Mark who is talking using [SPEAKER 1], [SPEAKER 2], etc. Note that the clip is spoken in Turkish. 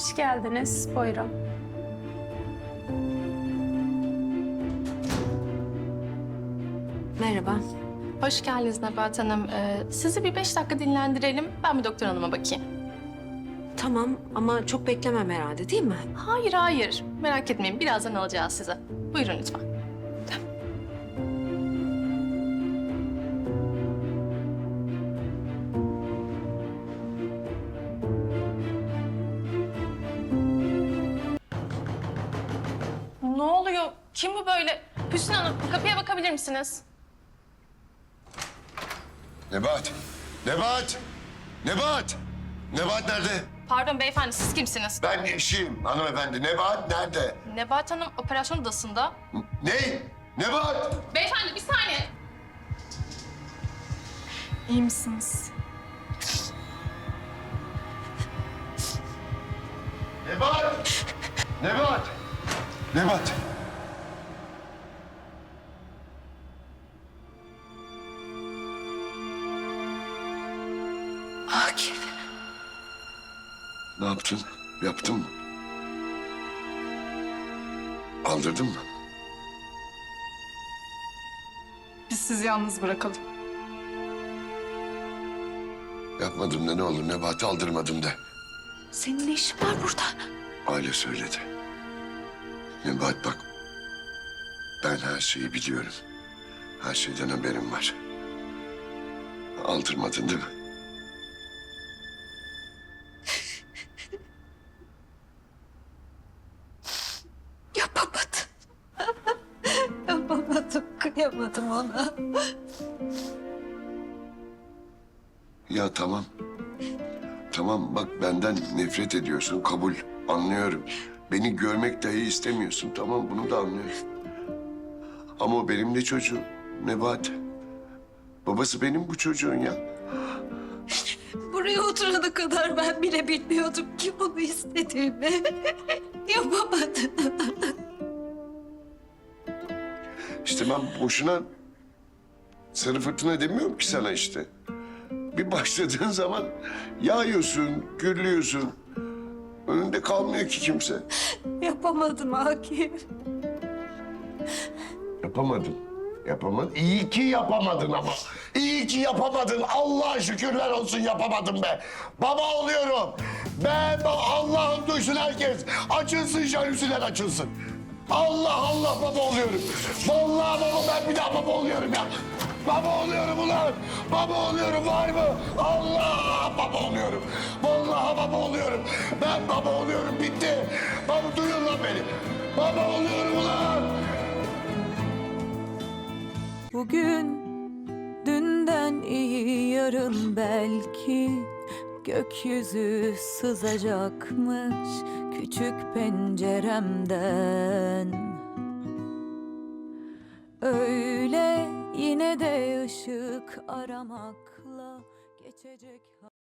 [SPEAKER 1] Hoş geldiniz. Buyurun.
[SPEAKER 2] Merhaba.
[SPEAKER 3] Hoş geldiniz Nebahat Hanım. Sizi bir 5 dakika dinlendirelim. Ben bir doktor hanıma bakayım.
[SPEAKER 2] Tamam ama çok beklemem herhalde değil mi?
[SPEAKER 3] Hayır, hayır. Merak etmeyin. Birazdan alacağız sizi. Buyurun lütfen. Ne oluyor? Kim bu böyle? Hüsnü Hanım, kapıya bakabilir misiniz?
[SPEAKER 4] Nebahat! Nebahat! Nebahat! Nebahat nerede?
[SPEAKER 3] Pardon beyefendi, siz kimsiniz?
[SPEAKER 4] Ben eşiyim hanımefendi. Nebahat nerede?
[SPEAKER 3] Nebahat Hanım operasyon odasında.
[SPEAKER 4] Ne? Nebahat!
[SPEAKER 3] Beyefendi bir saniye. İyi misiniz?
[SPEAKER 4] Nebahat! Nebahat! Nebahat!
[SPEAKER 2] Akif.
[SPEAKER 4] Ne yaptın? Yaptın mı? Aldırdın mı?
[SPEAKER 5] Biz sizi yalnız bırakalım.
[SPEAKER 4] Yapmadım da ne olur Nebahat'ı aldırmadım de.
[SPEAKER 2] Senin ne işin var burada?
[SPEAKER 4] Aile söyledi. Nebahat bak. Ben her şeyi biliyorum. Her şeyden haberim var. Aldırmadın değil mi?
[SPEAKER 2] Yapamadım. Yapamadım, kıyamadım ona.
[SPEAKER 4] Ya tamam. Tamam bak benden nefret ediyorsun kabul. Anlıyorum. Beni görmek dahi istemiyorsun. Tamam bunu da anlıyorum. Ama o benim de çocuğum. Nebahat. Babası benim bu çocuğun ya.
[SPEAKER 2] Buraya oturana kadar ben bile bilmiyordum ki onu istediğimi. Yapamadım.
[SPEAKER 4] İşte ben boşuna sarı fırtına demiyorum ki sana işte. Bir başladığın zaman yağıyorsun, gürlüyorsun. Önünde kalmıyor ki kimse.
[SPEAKER 2] Yapamadım Akif.
[SPEAKER 4] Yapamadın. Yapamadın. İyi ki yapamadın ama. İyi ki yapamadın. Allah'a şükürler olsun yapamadın be. Baba oluyorum. Allah'ım duysun herkes. Açılsın jalüsiler açılsın. Allah Allah baba oluyorum. Vallahi baba ben bir daha baba oluyorum ya. Baba oluyorum ulan. Baba oluyorum var mı? Allah baba oluyorum. Vallahi baba oluyorum. Ben baba oluyorum bitti. Baba duyun lan beni. Baba oluyorum ulan.
[SPEAKER 6] Bugün dünden iyi yarın belki gökyüzü sızacakmış küçük penceremden. Öyle yine de ışık aramakla geçecek.